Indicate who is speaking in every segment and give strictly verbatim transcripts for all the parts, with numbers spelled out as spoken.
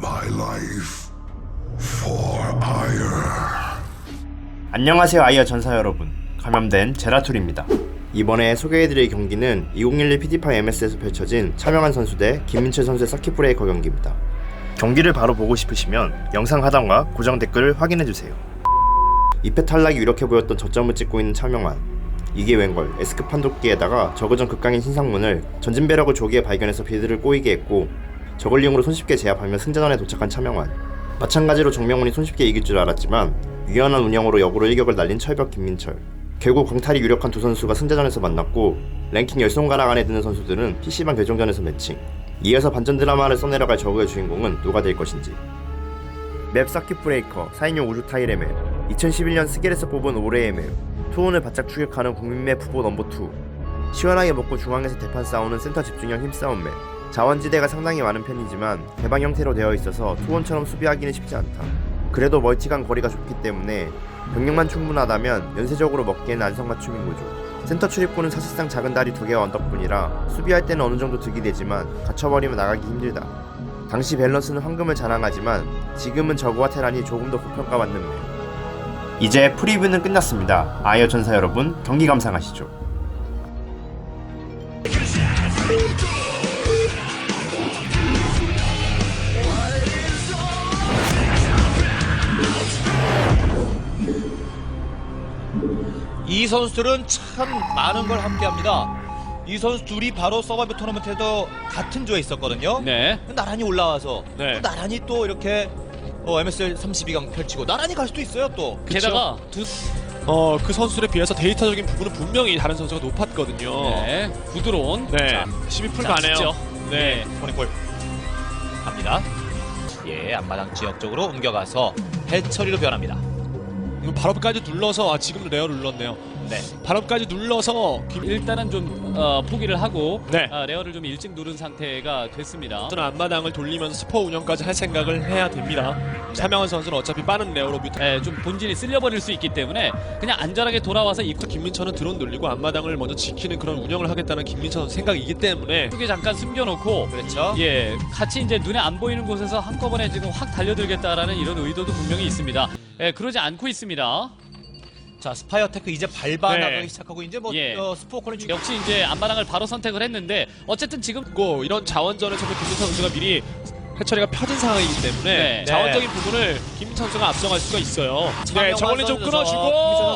Speaker 1: my life for Ire.
Speaker 2: 안녕하세요 아이어 전사 여러분, 감염된 제라툴입니다. 이번에 소개해드릴 경기는 이천십일 피디파이 엠에스에서 펼쳐진 차명한 선수 대 김민철 선수의 서킷 브레이커 경기입니다. 경기를 바로 보고 싶으시면 영상 하단과 고정 댓글을 확인해주세요. 이 패 탈락이 유력해 보였던 저점을 찍고 있는 차명한, 이게 웬걸 에스크 판독기에다가 저그전 극강인 신상문을 전진 배럭을 조기에 발견해서 빌드를 꼬이게 했고, 저글링으로 손쉽게 제압하며 승자전에 도착한 차명한. 마찬가지로 정명훈이 손쉽게 이길 줄 알았지만 유연한 운영으로 역으로 일격을 날린 철벽 김민철. 결국 광탈이 유력한 두 선수가 승자전에서 만났고, 랭킹 십 손가락 안에 드는 선수들은 피씨방 결정전에서 매칭. 이어서 반전 드라마를 써내려갈 저그의 주인공은 누가 될 것인지. 맵 서킷 브레이커 사 인용 우주 타일의 맵, 이천십일 년 스겔에서 뽑은 올해의 맵, 투혼을 바짝 추격하는 국민맵 후보 넘버 투. 시원하게 먹고 중앙에서 대판 싸우는 센터 집중형 힘싸움 맵. 자원지대가 상당히 많은 편이지만 개방 형태로 되어 있어서 투혼처럼 수비하기는 쉽지 않다. 그래도 멀티간 거리가 좁기 때문에 병력만 충분하다면 연쇄적으로 먹기에는 안성맞춤인 구조. 센터 출입구는 사실상 작은 다리 두 개와 언덕뿐이라 수비할 때는 어느 정도 득이 되지만 갇혀버리면 나가기 힘들다. 당시 밸런스는 황금을 자랑하지만 지금은 저그와 테란이 조금 더 고평가받는 맵. 이제 프리뷰는 끝났습니다. 아이어 전사 여러분, 경기 감상하시죠.
Speaker 3: 이 선수들은 참 많은 걸 함께합니다. 이 선수 둘이 바로 서바이벌 토너먼트에도 같은 조에 있었거든요.
Speaker 4: 네.
Speaker 3: 나란히 올라와서
Speaker 4: 네.
Speaker 3: 또 나란히 또 이렇게 어, 엠에스엘 삼십이 강 펼치고 나란히 갈 수도 있어요 또.
Speaker 4: 게다가 두
Speaker 5: 어, 그 선수들에 비해서 데이터적인 부분은 분명히 다른 선수가 높았거든요.
Speaker 4: 네, 구드론.
Speaker 5: 네.
Speaker 4: 자,
Speaker 5: 십이 풀
Speaker 4: 자,
Speaker 5: 가네요.
Speaker 4: 직접.
Speaker 5: 네.
Speaker 3: 포니콜 갑니다. 예, 앞마당 지역 쪽으로 옮겨가서 해처리로 변합니다.
Speaker 5: 이거 발업까지 눌러서 아, 지금 레어를 눌렀네요.
Speaker 3: 네.
Speaker 5: 발업까지 눌러서 김...
Speaker 4: 일단은 좀 어, 포기를 하고
Speaker 5: 네.
Speaker 4: 아, 레어를 좀 일찍 누른 상태가 됐습니다.
Speaker 5: 선수는 앞마당을 돌리면서 스포 운영까지 할 생각을 해야 됩니다. 차명한 선수는 어차피 빠른 레어로 뮤타.
Speaker 4: 네, 좀 본진이 쓸려버릴 수 있기 때문에 그냥 안전하게 돌아와서 입구
Speaker 5: 김민철은 드론 돌리고 앞마당을 먼저 지키는 그런 운영을 하겠다는 김민철 선수 생각이기 때문에
Speaker 4: 쪽에 잠깐 숨겨놓고
Speaker 3: 그렇죠.
Speaker 4: 예, 같이 이제 눈에 안 보이는 곳에서 한꺼번에 지금 확 달려들겠다라는 이런 의도도 분명히 있습니다. 예, 그러지 않고 있습니다.
Speaker 3: 자, 스파이어 테크 이제 밟아
Speaker 5: 네.
Speaker 3: 나가기 시작하고 이제 뭐
Speaker 4: 예.
Speaker 3: 어, 스포커는 주...
Speaker 4: 역시 이제 앞마당을 바로 선택을 했는데 어쨌든 지금
Speaker 5: 고 이런 자원전에서도 김민철 선수가 미리 해처리가 펴진 상황이기 때문에
Speaker 4: 네.
Speaker 5: 자원적인 부분을 김민철 선수가 앞서갈 수가 있어요. 네,
Speaker 3: 차명만
Speaker 5: 저걸리 좀
Speaker 3: 선수,
Speaker 5: 끊어주고
Speaker 3: 김민철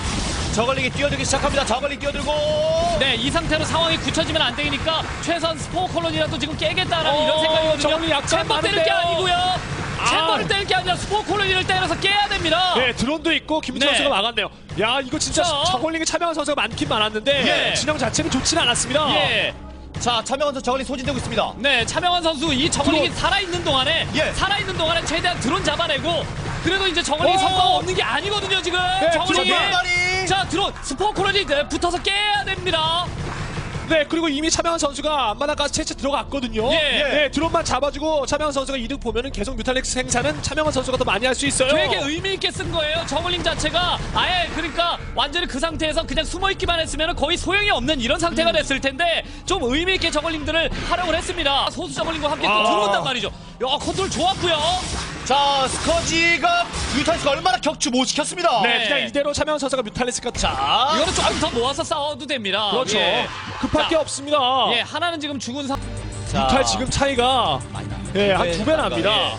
Speaker 3: 선수 저걸리기 뛰어들기 시작합니다. 저걸리 뛰어들고
Speaker 4: 네, 이 상태로 상황이 굳혀지면 안 되니까 최소한 스포 콜론이라도 지금 깨겠다라는
Speaker 5: 어,
Speaker 4: 이런 생각이거든요.
Speaker 5: 저걸리 약간
Speaker 4: 챔버 때릴 게
Speaker 5: 많은데요.
Speaker 4: 아니고요. 챔버를 때릴 게 아니라 스포 콜론이를 때려서 깨야 됩니다.
Speaker 5: 네, 드론도 있고 김민철
Speaker 4: 네.
Speaker 5: 선수가 막았네요. 야, 이거 진짜
Speaker 4: 자.
Speaker 5: 저걸링에 참여한 선수가 많긴 많았는데
Speaker 4: 예.
Speaker 5: 진영 자체는 좋지는 않았습니다.
Speaker 4: 예.
Speaker 3: 자, 차명한 선수 저걸리 소진되고 있습니다.
Speaker 4: 네, 차명환 선수 이 저글링이
Speaker 5: 드론.
Speaker 4: 살아있는 동안에
Speaker 3: 예.
Speaker 4: 살아있는 동안에 최대한 드론 잡아내고, 그래도 이제 저글링이
Speaker 5: 오.
Speaker 4: 성과가 없는 게 아니거든요 지금.
Speaker 5: 네,
Speaker 4: 저글링이
Speaker 3: 드론 다리.
Speaker 4: 자 드론 스포 콜론이 네, 붙어서 깨야 됩니다.
Speaker 5: 네, 그리고 이미 차명한 선수가 앞마당까지 채채 들어갔거든요.
Speaker 4: 예.
Speaker 5: 네, 드론만 잡아주고 차명한 선수가 이득 보면은 계속 뮤탈렉스 생산은 차명한 선수가 더 많이 할 수 있어요.
Speaker 4: 되게 의미 있게 쓴 거예요. 저글링 자체가 아예 그러니까 완전히 그 상태에서 그냥 숨어 있기만 했으면 거의 소용이 없는 이런 상태가 됐을 텐데 좀 의미 있게 저글링들을 활용을 했습니다. 소수 저글링과 함께 또
Speaker 5: 아.
Speaker 4: 들어온단 말이죠. 야, 컨트롤 좋았고요.
Speaker 3: 자, 스커지가 뮤탈스가 얼마나 격추 못 시켰습니다.
Speaker 5: 네,
Speaker 4: 네.
Speaker 5: 그냥 이대로 차명한 선수가 뮤탈렉스가
Speaker 3: 자,
Speaker 4: 이거는 조금 더 모아서 싸워도 됩니다.
Speaker 5: 그렇죠.
Speaker 4: 예.
Speaker 5: 급할 게
Speaker 4: 자,
Speaker 5: 없습니다.
Speaker 4: 예, 하나는 지금 죽은 상.
Speaker 3: 자,
Speaker 5: 뮤탈 지금 차이가 예, 한 두 배 납니다.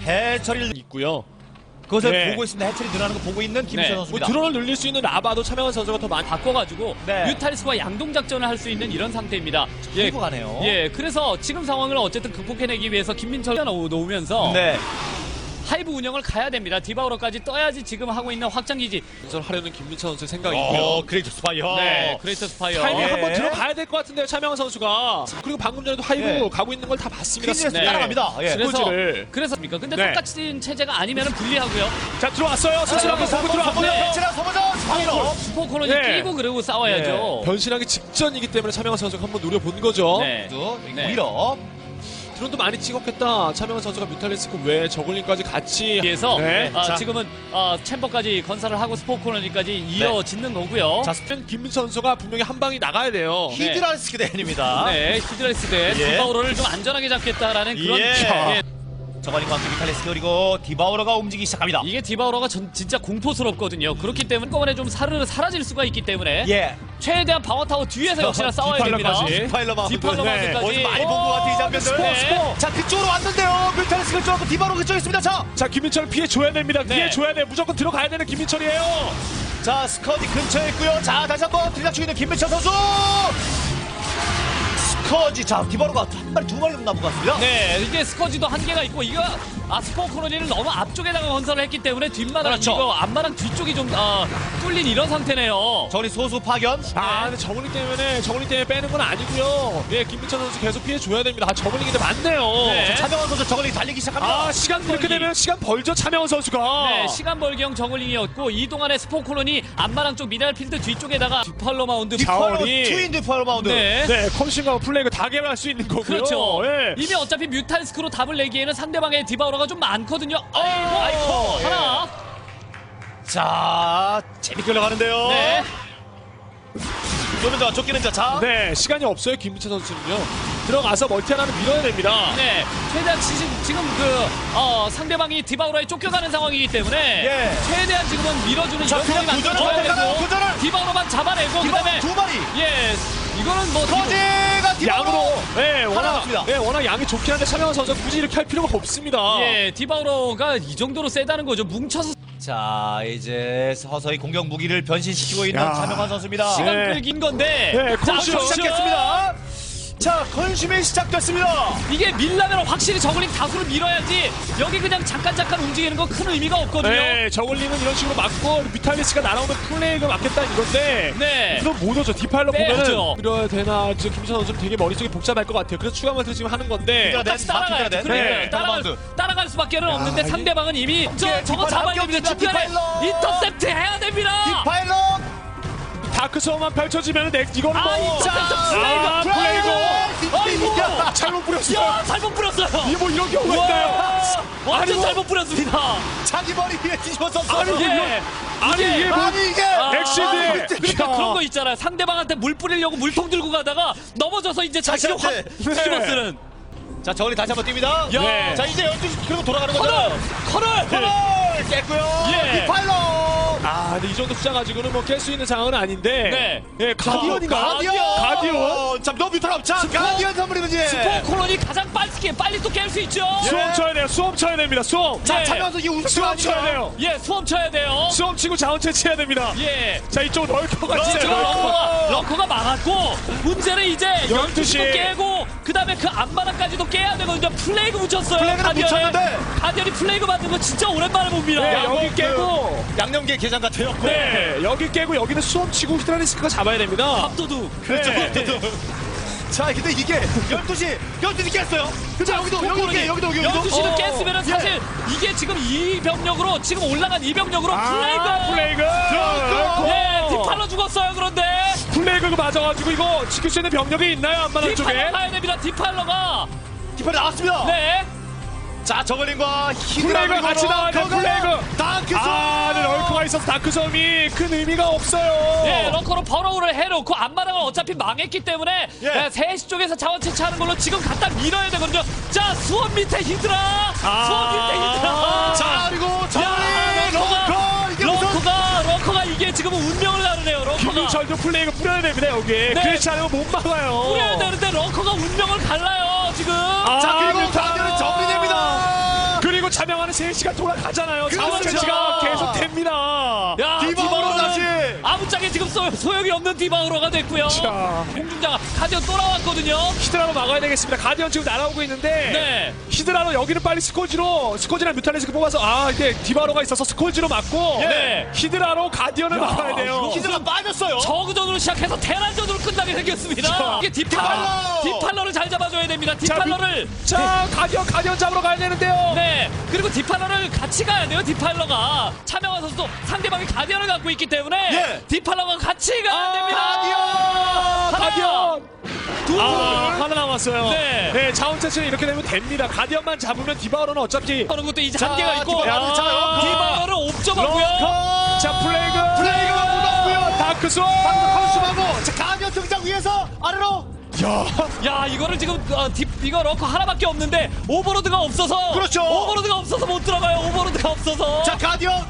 Speaker 3: 해처리를
Speaker 5: 있고요.
Speaker 3: 그것을
Speaker 5: 네.
Speaker 3: 보고 있습니다. 해처리 늘어나는 거 보고 있는 김민철
Speaker 4: 네.
Speaker 5: 뭐
Speaker 3: 선수입니다.
Speaker 5: 드론을 늘릴 수 있는 라바도 차명한 선수가 더 많이
Speaker 4: 바꿔가지고
Speaker 3: 네.
Speaker 4: 뮤탈리스와 양동 작전을 할 수 있는 이런 상태입니다. 예,
Speaker 3: 끌고 가네요.
Speaker 4: 예, 그래서 지금 상황을 어쨌든 극복해내기 위해서 김민철 놓으면서
Speaker 3: 네.
Speaker 4: 하이브 운영을 가야 됩니다. 디바우러까지 떠야지 지금 하고 있는 확장기지.
Speaker 5: 하려는 김민철 선수의 생각이고요.
Speaker 3: 어, 그레이트 스파이어.
Speaker 4: 네, 그레이트 스파이어.
Speaker 5: 타이밍
Speaker 3: 예.
Speaker 5: 한번 들어가야 될 것 같은데요, 차명한 선수가. 그리고 방금 전에도 하이브
Speaker 3: 예.
Speaker 5: 가고 있는 걸 다 봤습니다.
Speaker 3: 퀸즈에서
Speaker 4: 네.
Speaker 3: 따라갑니다. 예.
Speaker 4: 그래서
Speaker 5: 스포츠를.
Speaker 4: 그래서입니까? 근데
Speaker 5: 네.
Speaker 4: 똑같은 체제가 아니면 불리하고요.
Speaker 5: 자, 들어왔어요. 스스로 한번 보고 들어왔고요.
Speaker 3: 해처리랑 서버전 스파이어.
Speaker 4: 슈퍼 콜론이
Speaker 5: 네.
Speaker 4: 끼고 그러고 싸워야죠.
Speaker 5: 변신하기 직전이기 때문에 차명한 선수가 한번 노려본 거죠.
Speaker 4: 네. 네.
Speaker 3: 오히려
Speaker 5: 드론도 많이 찍었겠다. 차명한 선수가 뮤탈리스크 외에 저글링까지 같이
Speaker 4: 위해서
Speaker 5: 네.
Speaker 4: 아,
Speaker 3: 자.
Speaker 4: 지금은 어, 챔버까지 건설을 하고 스포 콜로니까지 이어짓는 거고요.
Speaker 5: 자, 스펜 김민철 선수가 분명히 한 방이 나가야 돼요.
Speaker 3: 히드라스크 대입니다.
Speaker 4: 네, 히드라이스 대
Speaker 3: 예.
Speaker 4: 디바우러를 좀 안전하게 잡겠다라는 그런
Speaker 3: 예.
Speaker 4: 예.
Speaker 3: 저걸링과 함께 뮤탈리스크 그리고 디바우러가 움직이기 시작합니다.
Speaker 4: 이게 디바우러가 전, 진짜 공포스럽거든요. 그렇기 때문에 한꺼번에 좀 사르르 사라질 수가 있기 때문에
Speaker 3: 예.
Speaker 4: 최대한 방어타워 뒤에서 역시나 싸워야 됩니다.
Speaker 5: 디팔러까지.
Speaker 3: 디파일러 마운드.
Speaker 4: 디팔러
Speaker 5: 네.
Speaker 4: 마운드까지.
Speaker 3: 어디서 많이 본 것 같아 이 장면들.
Speaker 4: 네.
Speaker 3: 스포. 자 그쪽으로 왔는데요. 뮤탈리스크 쪽하고 디바우러 그쪽에 있습니다. 자,
Speaker 5: 자 김민철 피해줘야 됩니다.
Speaker 4: 네.
Speaker 5: 피해줘야 돼. 무조건 들어가야 되는 김민철이에요.
Speaker 3: 자 스커지 근처에 있고요. 자 다시 한번 들이닥치고 있는 김민철 선수. 스커지 자 디바우러가 한 마리 두 마리 남은 것 같습니다.
Speaker 4: 네, 이게 스커지도 한계가 있고 이거 아스포 코로니를 너무 앞쪽에다가 건설을 했기 때문에 뒷마당
Speaker 3: 그렇죠.
Speaker 4: 이거 앞마당 뒤쪽이 좀 어, 뚫린 이런 상태네요.
Speaker 3: 저리 소수 파견.
Speaker 5: 아 근데 저글링 때문에 저글링 때문에 빼는 건 아니고요. 예 김민철 선수 계속 피해줘야 됩니다. 아 저글링인데 많네요.
Speaker 4: 네.
Speaker 3: 차명원 선수 저걸링 달리기 시작합니다.
Speaker 5: 아 시간 이렇게 되면 시간 벌죠 차명원 선수가.
Speaker 4: 네, 시간 벌기형 저글링이었고 이 동안에 스포 코로니 앞마당 쪽 미네랄 필드 뒤쪽에다가 디팔로 마운드
Speaker 3: 디파일러
Speaker 5: 자원이-
Speaker 3: 트윈 디파일러 마운드.
Speaker 4: 네.
Speaker 5: 네 컨신과 플레이그 다 개발할 수 있는 거고요.
Speaker 4: 그렇죠.
Speaker 5: 예.
Speaker 4: 이미 어차피 뮤탈스크로 답을 내기에는 상대방의 디바우러가 좀 많거든요. 아이고,
Speaker 3: 아이고, 예.
Speaker 4: 하나.
Speaker 3: 자 재밌게 올라가는데요.
Speaker 4: 네.
Speaker 3: 쏘는 자 쫓기는 자. 자.
Speaker 5: 네 시간이 없어요 김민철 선수는요. 들어가서 멀티 하나는 밀어야 됩니다.
Speaker 4: 네, 최대한 지금, 지금 그 어, 상대방이 디바우러에 쫓겨가는 상황이기 때문에
Speaker 3: 예.
Speaker 4: 최대한 지금은 밀어주는
Speaker 3: 자,
Speaker 4: 이런
Speaker 3: 그냥
Speaker 4: 상황이
Speaker 3: 도전을
Speaker 4: 만들어줘야
Speaker 3: 해보잖아요,
Speaker 4: 되고
Speaker 3: 도전을!
Speaker 4: 디바우러만 잡아내고
Speaker 3: 디바우러
Speaker 4: 그다음에
Speaker 3: 두 마리.
Speaker 4: 예, 이거는 뭐
Speaker 3: 거제가 디바우러.
Speaker 5: 양으로 네, 워낙
Speaker 3: 남았습니다.
Speaker 5: 네, 워낙 양이 좋긴 한데 차명원 선수 굳이 이렇게 할 필요가 없습니다.
Speaker 4: 예, 디바우러가 이 정도로 세다는 거죠. 뭉쳐서
Speaker 3: 자 이제 서서히 공격 무기를 변신시키고 있는
Speaker 5: 야.
Speaker 3: 차명환 선수입니다.
Speaker 4: 시간
Speaker 5: 네.
Speaker 4: 끌긴 건데
Speaker 5: 네,
Speaker 4: 자,
Speaker 5: 컨슈
Speaker 4: 컨슈.
Speaker 3: 시작했습니다. 자 컨슘이 시작됐습니다.
Speaker 4: 이게 밀라면 확실히 저글링 다수를 밀어야지 여기 그냥 잠깐 잠깐 움직이는 거 큰 의미가 없거든요.
Speaker 5: 네, 저글링은 이런 식으로 막고 뮤탈리스가 날아오면 플레이가 맞겠다 이건데
Speaker 4: 네.
Speaker 5: 그럼 못 오죠. 디파일러
Speaker 4: 빼야죠.
Speaker 5: 보면은 이래야 되나 지금 김민철 선수는 되게 머릿속이 복잡할 것 같아요. 그래서 추가 멀티 지금 하는 건데
Speaker 3: 네.
Speaker 4: 같이 따라가야죠.
Speaker 3: 네.
Speaker 4: 그래,
Speaker 5: 네.
Speaker 4: 따라갈,
Speaker 3: 바운드.
Speaker 4: 따라갈 수밖에 는 없는데
Speaker 5: 이-
Speaker 4: 상대방은 이미 저,
Speaker 3: 예,
Speaker 4: 저거
Speaker 3: 디파일러
Speaker 4: 잡아야 됩니다.
Speaker 3: 합격입니다.
Speaker 4: 중간에
Speaker 3: 디파일러.
Speaker 4: 인터셉트 해야 됩니다.
Speaker 3: 디파일러.
Speaker 5: 다크소만 펼쳐지면 넥 이거는
Speaker 4: 아,
Speaker 5: 뭐
Speaker 4: 인터셉트
Speaker 5: 아,
Speaker 4: 플레이가
Speaker 5: 플레이고
Speaker 4: 아이고.
Speaker 5: 잘못 뿌렸어요.
Speaker 4: 야, 잘못 뿌렸어요.
Speaker 5: 이게 뭐 이런 경우가 있나요?
Speaker 4: 와, 완전
Speaker 5: 뭐-
Speaker 4: 잘못 뿌렸습니다.
Speaker 3: 자기 머리 위에 뒤집어서
Speaker 5: 아니,
Speaker 3: 쏘는.
Speaker 4: 예.
Speaker 5: 아니 이게 뭐
Speaker 3: 아니 이게.
Speaker 4: 아,
Speaker 5: 엑시드.
Speaker 4: 그러니까
Speaker 5: 야.
Speaker 4: 그런 거 있잖아요. 상대방한테 물 뿌리려고 물통 들고 가다가 넘어져서 이제 자신을 확
Speaker 3: 자신한테.
Speaker 4: 뒤집어
Speaker 5: 네.
Speaker 4: 쓰는.
Speaker 3: 자 저걸링 다시 한번 뜁니다.
Speaker 4: 야.
Speaker 5: 네.
Speaker 3: 자 이제 열두 시 그리고 돌아가는
Speaker 4: 커널!
Speaker 3: 거죠.
Speaker 4: 커널!
Speaker 3: 커널 깼고요.
Speaker 4: 예.
Speaker 3: 디파일러.
Speaker 5: 아 근데 이 정도 숫자 가지고는 뭐 깰 수 있는 상황은 아닌데
Speaker 4: 네.
Speaker 5: 예 가디언인가?
Speaker 3: 가디언.
Speaker 5: 가디언?
Speaker 3: 자, 너 뮤탈업. 자, 가디언 선물이지.
Speaker 4: 스포 콜론이 가장 빨리 빨리 또 깰 수 있죠.
Speaker 5: 수험 쳐야 돼요. 수험 쳐야 됩니다. 수험.
Speaker 3: 자,
Speaker 4: 네.
Speaker 3: 차면서 이 우승
Speaker 5: 수험 쳐야
Speaker 3: 아닌가요?
Speaker 5: 돼요.
Speaker 4: 예, 수험 쳐야 돼요.
Speaker 5: 수험 치고 자원 채취해야 됩니다.
Speaker 4: 예.
Speaker 5: 자 이쪽 럴커가
Speaker 3: 럴커.
Speaker 5: 진짜
Speaker 4: 지금
Speaker 5: 럴커.
Speaker 4: 런커가, 런커가 막았고 문제는 이제
Speaker 5: 열두 시.
Speaker 4: 열두 시도 깨고 그 다음에 그 앞마당까지도 깨야 되거든요. 플레이그 붙였어요.
Speaker 3: 플레이그는
Speaker 4: 가디언에.
Speaker 3: 붙였는데.
Speaker 4: 가디언이 플레이그 만든 거 진짜 오랜만에 봅니다.
Speaker 5: 네,
Speaker 3: 야,
Speaker 5: 여기
Speaker 3: 뭐,
Speaker 5: 깨고
Speaker 3: 그 양념계 게장 같아요.
Speaker 5: 네 여기 깨고 여기는 수험 치고 히드라리스크가 잡아야 됩니다.
Speaker 4: 압도둑.
Speaker 3: 그렇죠.
Speaker 5: 네.
Speaker 3: 자, 근데 이게 열두 시, 열두 시 깼어요. 그죠? 여기도, 여기도 깨, 여기도, 여기도.
Speaker 4: 열두 시는
Speaker 3: 어,
Speaker 4: 깼으면 사실 이게 지금 이 병력으로 지금 올라간 이 병력으로 플레이그.
Speaker 5: 아, 플레이그.
Speaker 3: 럴커.
Speaker 4: 예, 디팔로 죽었어요. 그런데
Speaker 5: 플레이그 맞아가지고 이거 지킬 수 있는 병력이 있나요 앞마당 쪽에?
Speaker 4: 디팔로 가야 됩니다. 디팔로가.
Speaker 3: 디파일러 나왔습니다.
Speaker 4: 네.
Speaker 3: 자, 저글링과 히드라
Speaker 5: 플레이그 같이 나와야 돼, 플레이그.
Speaker 3: 다크소.
Speaker 5: 아, 네, 럴커가 있어서 다크섬이 큰 의미가 없어요.
Speaker 4: 예, 런커로 버러우를 해놓고 앞마당을 어차피 망했기 때문에
Speaker 3: 예.
Speaker 4: 예, 세시 쪽에서 자원 채취하는 걸로 지금 갖다 밀어야 되거든요. 자, 수원 밑에 히드라!
Speaker 5: 아.
Speaker 4: 수원 밑에 히드라!
Speaker 3: 자, 그리고 저글링,
Speaker 4: 런커가,
Speaker 3: 런커. 이게 무슨.
Speaker 4: 런커가, 런커가 이게 지금 운명을 나누네요, 런커가.
Speaker 5: 김민철도 플레이그 뿌려야 됩니다 여기. 그렇지 않으면 못 막아요.
Speaker 4: 뿌려야 되는데 런커가 운명을 갈라요, 지금.
Speaker 5: 아,
Speaker 3: 자, 그리고
Speaker 5: 뮤탈.
Speaker 3: 가디언은 정리됩니다.
Speaker 5: 그리고 자명하는 세 시간 돌아가잖아요. 자원
Speaker 3: 그렇죠.
Speaker 5: 채취가 계속 됩니다.
Speaker 4: 야,
Speaker 3: 디바우로 다시.
Speaker 4: 아무짝에 지금 소, 소용이 없는 디바우로가 됐고요.
Speaker 5: 자.
Speaker 4: 공중자가 가디언 또 나왔거든요.
Speaker 5: 히드라로 막아야 되겠습니다. 가디언 지금 날아오고 있는데
Speaker 4: 네.
Speaker 5: 히드라로 여기는 빨리 스콜지로 스콜지랑 뮤탈리스크 뽑아서 아 이게 디바로가 있어서 스콜지로 막고
Speaker 4: 네.
Speaker 5: 히드라로 가디언을 막아야 돼요.
Speaker 3: 히드라 빠졌어요.
Speaker 4: 저그전으로 시작해서 테란전으로 끝나게 생겼습니다.
Speaker 5: 자,
Speaker 4: 이게 디팔러,
Speaker 3: 디팔러!
Speaker 4: 디팔러를 잘 잡아줘야 됩니다. 디팔러를.
Speaker 5: 자 가디언 가디언 잡으러 가야 되는데요.
Speaker 4: 네. 그리고 디팔러를 같이 가야 돼요. 디팔러가. 차명환 선수도 상대방이 가디언을 갖고 있기 때문에
Speaker 3: 예.
Speaker 4: 디팔러가 같이 가야 됩니다.
Speaker 5: 아,
Speaker 4: 하나,
Speaker 5: 가디언
Speaker 4: 둘.
Speaker 5: 아, 하나 남았어요.
Speaker 4: 네.
Speaker 5: 네 자원 채취는 이렇게 되면 됩니다. 가디언만 잡으면 디바로는 어차피
Speaker 4: 하는 것도 이제
Speaker 3: 자,
Speaker 4: 한계가 있고.
Speaker 3: 디팔러,
Speaker 5: 야.
Speaker 3: 자, 런커.
Speaker 4: 디팔러를 옵점하고요.
Speaker 3: 런커.
Speaker 5: 자 플레이그
Speaker 3: 플레이그가 묻었고요.
Speaker 5: 다크소
Speaker 3: 컨슘하고 자, 가디언 등장 위에서 아래로
Speaker 5: 야,
Speaker 4: 야 이거를 지금 어, 딥 이거 러커 하나밖에 없는데 오버로드가 없어서
Speaker 3: 그렇죠.
Speaker 4: 오버로드가 없어서 못 들어가요. 오버로드가 없어서.
Speaker 3: 자 가디언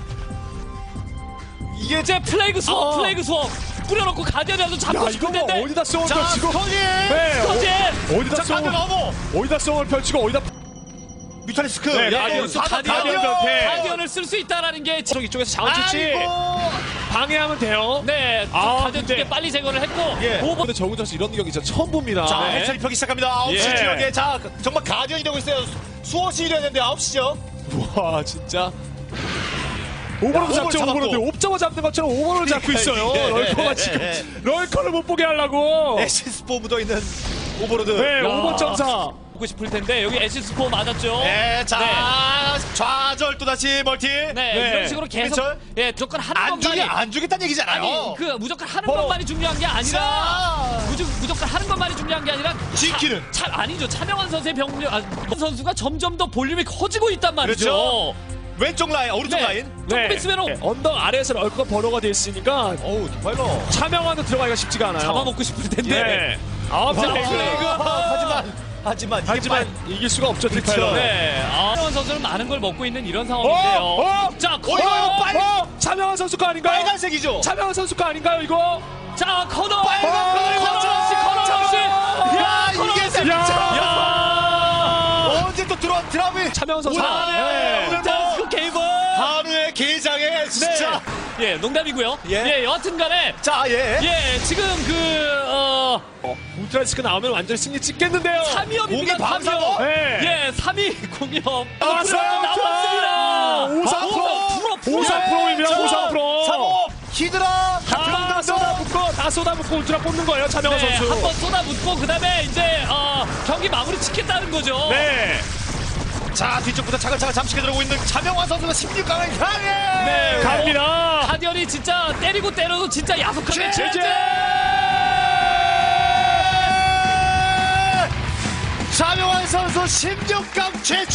Speaker 4: 이게 이제 플레이그 수업
Speaker 3: 어.
Speaker 4: 플레이그 수업 뿌려놓고 가디언이라도 잡고
Speaker 5: 야,
Speaker 4: 싶은
Speaker 5: 이거 뭐
Speaker 4: 텐데.
Speaker 5: 어디다 쏘을
Speaker 3: 자
Speaker 5: 펼치고?
Speaker 3: 스커지
Speaker 5: 네,
Speaker 4: 터진.
Speaker 5: 어, 어디다
Speaker 3: 자
Speaker 5: 쏘을
Speaker 3: 가디언 어머
Speaker 5: 어디다 쏘을 펼치고 어디다
Speaker 3: 뮤탈리스크
Speaker 5: 네,
Speaker 3: 야,
Speaker 5: 가디언,
Speaker 3: 이거 가디언
Speaker 5: 가디언
Speaker 3: 가디언
Speaker 5: 변태.
Speaker 4: 가디언을 쓸 수 있다라는 게
Speaker 5: 쪽 이쪽에서 자원 채취
Speaker 3: 아이고
Speaker 5: 방해하면 돼요.
Speaker 4: 네,
Speaker 5: 아,
Speaker 4: 가디언
Speaker 5: 근데-
Speaker 4: 두개 빨리 제거를 했고
Speaker 3: 예.
Speaker 4: 오버
Speaker 5: 근데 정우선수 이런 경기 진짜 처음 봅니다.
Speaker 3: 자
Speaker 5: 네.
Speaker 3: 해처리 펴기 시작합니다 아홉 시
Speaker 5: 예.
Speaker 3: 지역에 자 정말 가디언이 되고 있어요 수호시 이래야 되는데 아홉 시죠
Speaker 5: 와 진짜 오버로드
Speaker 3: 야,
Speaker 5: 잡죠.
Speaker 3: 오버를
Speaker 5: 오버로드
Speaker 3: 잡았고.
Speaker 5: 옵저버 잡는 것처럼 오버로드 잡고 있어요.
Speaker 3: 예, 예,
Speaker 5: 럴커가
Speaker 3: 예,
Speaker 5: 지금
Speaker 3: 예.
Speaker 5: 럴커를 못 보게 하려고.
Speaker 3: 에시스포 묻어있는 오버로드
Speaker 5: 네,
Speaker 4: 야.
Speaker 5: 오버 점사.
Speaker 4: 보고 싶을 텐데 여기 에시스포 맞았죠.
Speaker 3: 네, 자
Speaker 4: 네.
Speaker 3: 좌절 또다시 멀티
Speaker 4: 네,
Speaker 5: 네.
Speaker 4: 이런 식으로 계속
Speaker 3: 김민철?
Speaker 4: 예 무조건 하는
Speaker 3: 안 주기
Speaker 4: 것만이
Speaker 3: 안 주겠다는 얘기잖아요
Speaker 4: 아니 그 무조건 하는
Speaker 3: 바로.
Speaker 4: 것만이 중요한 게 아니라
Speaker 3: 자
Speaker 4: 무조, 무조건 하는 것만이 중요한 게 아니라
Speaker 3: 지키는.
Speaker 4: 차, 차 아니죠. 차명환 선수의 병력 아, 선수가 점점 더 볼륨이 커지고 있단 말이죠.
Speaker 3: 그렇죠. 왼쪽 라인 오른쪽
Speaker 4: 네.
Speaker 3: 라인
Speaker 4: 조금 있으면
Speaker 5: 네, 언덕 아래에서 럴커가 번호가 돼 있으니까
Speaker 3: 어우 디파일러
Speaker 5: 차명환도 들어가기가 쉽지가 않아요.
Speaker 4: 잡아먹고 싶을 텐데.
Speaker 5: 네. 아,
Speaker 4: 자,
Speaker 5: 플레이그.
Speaker 4: 플레이그.
Speaker 3: 하지만 하지만 이게
Speaker 5: 하지만
Speaker 3: 빠-
Speaker 5: 이길 수가 없죠,
Speaker 3: 그렇죠.
Speaker 5: 디파일러.
Speaker 4: 네, 아, 차명환 선수는 많은 걸 먹고 있는 이런
Speaker 5: 어,
Speaker 4: 상황인데요.
Speaker 5: 어,
Speaker 4: 자,
Speaker 3: 어, 이거, 이거 빨리-
Speaker 5: 어, 차명환 선수 거 아닌가요?
Speaker 3: 빨간색이죠
Speaker 5: 차명환 선수 거 아닌가요, 이거?
Speaker 4: 자, 커너,
Speaker 3: 빨간
Speaker 4: 커너,
Speaker 3: 커너,
Speaker 4: 커너 씨, 커너 씨.
Speaker 3: 야 이게 세-
Speaker 5: 야!
Speaker 3: 야 언제 또 들어와 드라마
Speaker 5: 차명환 선수.
Speaker 3: 자,
Speaker 5: 네.
Speaker 3: 오늘
Speaker 4: 자,
Speaker 3: 뭐
Speaker 4: 그 게임은
Speaker 3: 한우의 게장에 진짜
Speaker 4: 예, 농담이고요.
Speaker 3: 예.
Speaker 4: 예, 여하튼간에
Speaker 3: 자예
Speaker 4: 예, 지금 그 어,
Speaker 5: 울트라스크 나오면 완전 승리 찍겠는데요.
Speaker 4: 삼위업입니다.
Speaker 3: 공이 방사고?
Speaker 5: 네.
Speaker 4: 예, 삼위 공이업
Speaker 5: 나왔어요.
Speaker 4: 나왔습니다.
Speaker 5: 오삼 프로.
Speaker 4: 프로
Speaker 5: 오삼 프로입니다. 오삼 프로.
Speaker 3: 사모 히드라
Speaker 5: 다 쏟아붓고 다 쏟아붓고 울트라 뽑는 거예요, 차명환
Speaker 4: 네,
Speaker 5: 선수.
Speaker 4: 한번 쏟아붓고 그다음에 이제 어, 경기 마무리 짓겠다는 거죠.
Speaker 5: 네.
Speaker 3: 자 뒤쪽부터 차근차근 잠식해 들어오고 있는 차명환 선수가 십육 강을 향해
Speaker 4: 네.
Speaker 5: 갑니다.
Speaker 4: 가디언이 진짜 때리고 때려도 진짜 야속하게
Speaker 3: 제재!
Speaker 4: 제재!
Speaker 3: 차명환 선수 십육 강 최초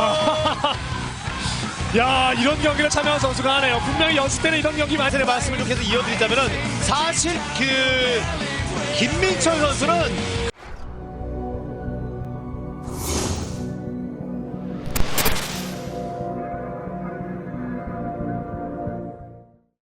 Speaker 5: 야, 이런 경기를 차명환 선수가 하네요. 분명히 연습 때는 이런 경기 많이
Speaker 3: 말씀을 좀 계속 이어드리자면은 사실 그 김민철 선수는